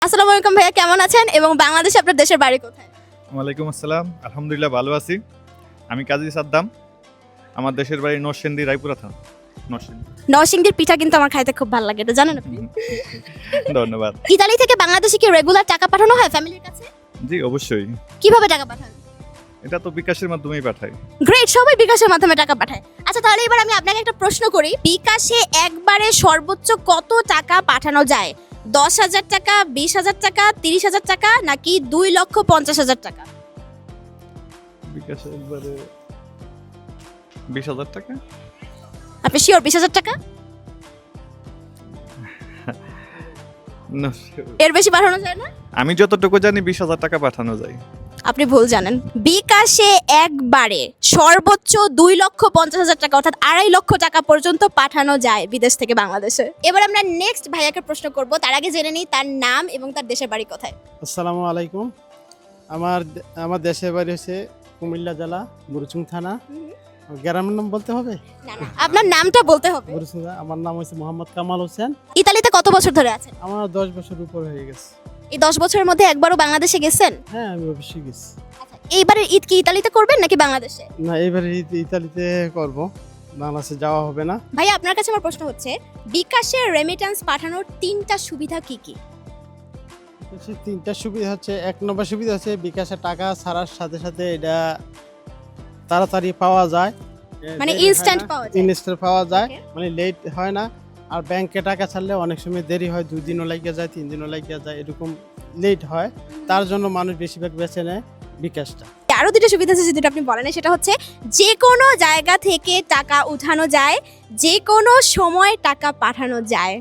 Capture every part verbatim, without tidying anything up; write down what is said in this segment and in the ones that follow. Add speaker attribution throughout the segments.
Speaker 1: আসসালামু আলাইকুম ভাইয়া, কেমন আছেন এবং বাংলাদেশে আপনার দেশের বাড়ি কোথায়?
Speaker 2: ওয়ালাইকুম আসসালাম, আলহামদুলিল্লাহ ভালো আছি। আমি কাজী সাদ্দাম, আমার দেশের বাড়ি নরসিংদী, রায়পুরা থানা। নরসিংদী।
Speaker 1: নরসিংদীর পিঠা কিন্তু আমার খাইতে খুব ভালো লাগে, এটা জানেন আপনি?
Speaker 2: ধন্যবাদ।
Speaker 1: ইতালি থেকে বাংলাদেশে কি রেগুলার টাকা পাঠানো হয় ফ্যামিলির কাছে?
Speaker 2: জি অবশ্যই,
Speaker 1: কিভাবে টাকা পাঠান?
Speaker 2: এটা তো বিকাশের মাধ্যমেই পাঠাই।
Speaker 1: গ্রেট, সবাই বিকাশের মাধ্যমে টাকা পাঠায়। আচ্ছা তাহলে এবার আমি আপনাকে একটা প্রশ্ন করি, বিকাশে একবারে সর্বোচ্চ কত টাকা পাঠানো যায়? দশ হাজার টাকা, বিশ হাজার টাকা, তিরিশ হাজার টাকা, নাকি দুই লক্ষ পঞ্চাশ হাজার টাকা?
Speaker 2: বিকাশে একবারে বিশ হাজার টাকা।
Speaker 1: আপনি শিওর বিশ হাজার টাকা?
Speaker 2: না,
Speaker 1: এর বেশি পাঠানো যায় না?
Speaker 2: আমি যতটুকু জানি বিশ হাজার টাকা পাঠানো যায়।
Speaker 1: আপনি ভুল জানেন। বিকাশে একবারে সর্বোচ্চ দুই লক্ষ পঞ্চাশ হাজার টাকা অর্থাৎ আড়াই লক্ষ টাকা পর্যন্ত পাঠানো যায় বিদেশ থেকে বাংলাদেশে। এবার আমরা নেক্সট ভাইয়াকে প্রশ্ন করব, তার আগে জেনে নিই তার নাম এবং তার দেশের বাড়ি কোথায়।
Speaker 3: আসসালামু আলাইকুম। আমার আমার দেশের বাড়ি হচ্ছে কুমিল্লা জেলা বুরুচুং থানা। গ্রামের নাম বলতে হবে?
Speaker 1: না না, আপনার নামটা বলতে হবে।
Speaker 3: বুরুচুং। আমার নাম হচ্ছে মোহাম্মদ কামাল হোসেন।
Speaker 1: ইতালিতে কত বছর ধরে আছেন?
Speaker 3: আমার দশ বছর উপর হয়ে গেছে।
Speaker 1: এই দশ বছরের মধ্যে একবারও বাংলাদেশে গেছেন?
Speaker 3: হ্যাঁ, আমি অবশ্যই গেছি।
Speaker 1: আচ্ছা, এইবারের ঈদ কি ইতালিতে করবেন নাকি বাংলাদেশে?
Speaker 3: না, এবারে ঈদ ইতালিতে করব, বাংলাদেশে যাওয়া হবে না।
Speaker 1: ভাই আপনার কাছে আমার প্রশ্ন হচ্ছে, বিকাশে রেমিটেন্স পাঠানোর তিনটা সুবিধা কি কি?
Speaker 3: হচ্ছে তিনটা সুবিধা হচ্ছে, এক নম্বর সুবিধা হচ্ছে বিকাশে টাকা ছাড়ার সাথে সাথে এটা তাড়াতাড়ি পাওয়া যায়,
Speaker 1: মানে ইনস্ট্যান্ট পাওয়া যায়।
Speaker 3: ইনস্ট্যান্ট পাওয়া যায়,
Speaker 1: Okay.
Speaker 3: মানে লেট হয় না। আর ব্যাংকে টাকা ছাড়লে অনেক সময় দেরি হয়, দুই দিনও লাগিয়ে যায়, তিন দিনও লাগিয়ে যায়, এরকম লেট হয়। তার জন্য মানুষ বেশিরভাগ বেছে নেয় বিকাশটা।
Speaker 1: আরো দুটো সুবিধা আছে যেটা আপনি বলেন, সেটা হচ্ছে যে কোনো জায়গা থেকে টাকা উঠানো যায়, যে কোনো সময় টাকা পাঠানো যায়।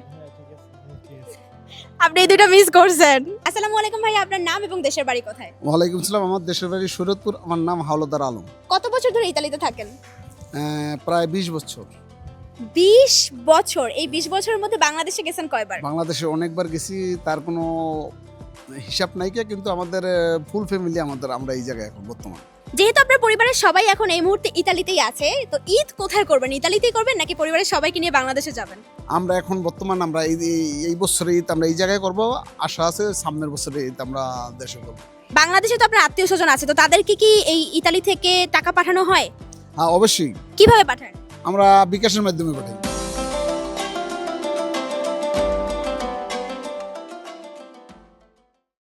Speaker 1: আপনি এই দুটো মিস করছেন। আসসালামু আলাইকুম ভাই, আপনার নাম এবং দেশের বাড়ি কোথায়?
Speaker 4: ওয়ালাইকুম সালাম। আমার দেশের বাড়ি শরীয়তপুর। আমার নাম হাওলাদার আলম।
Speaker 1: কত বছর ধরে ইতালিতে থাকেন?
Speaker 4: আহ, প্রায় বিশ বছর।
Speaker 1: বিশ বছর। এই বিশ বছরের মধ্যে বাংলাদেশে গেছেন কয়বার?
Speaker 4: বাংলাদেশে অনেকবার গেছি, তার কোনো হিসাব নাই কে, কিন্তু আমাদের ফুল ফ্যামিলি আমাদের আমরা এই জায়গায় এখন বর্তমান।
Speaker 1: যেহেতু আপনার পরিবারের সবাই এখন এই মুহূর্তে ইতালিতেই আছে, তো ঈদ কোথায় করবেন? ইতালিতেই করবেন নাকি পরিবারের সবাইকে নিয়ে বাংলাদেশে যাবেন?
Speaker 4: আমরা এখন বর্তমান আমরা এই এই- এই বছরে ঈদ আমরা এই জায়গায় করব, আশা আছে সামনের বছরে ঈদ আমরা দেশে করবো।
Speaker 1: বাংলাদেশে তো আপনার আত্মীয় স্বজন আছে, তো তাদেরকে কি এই ইতালি থেকে টাকা পাঠানো হয়?
Speaker 4: হ্যাঁ অবশ্যই,
Speaker 1: কিভাবে পাঠান?
Speaker 4: আমরা বিকাশের মাধ্যমে পাঠাই।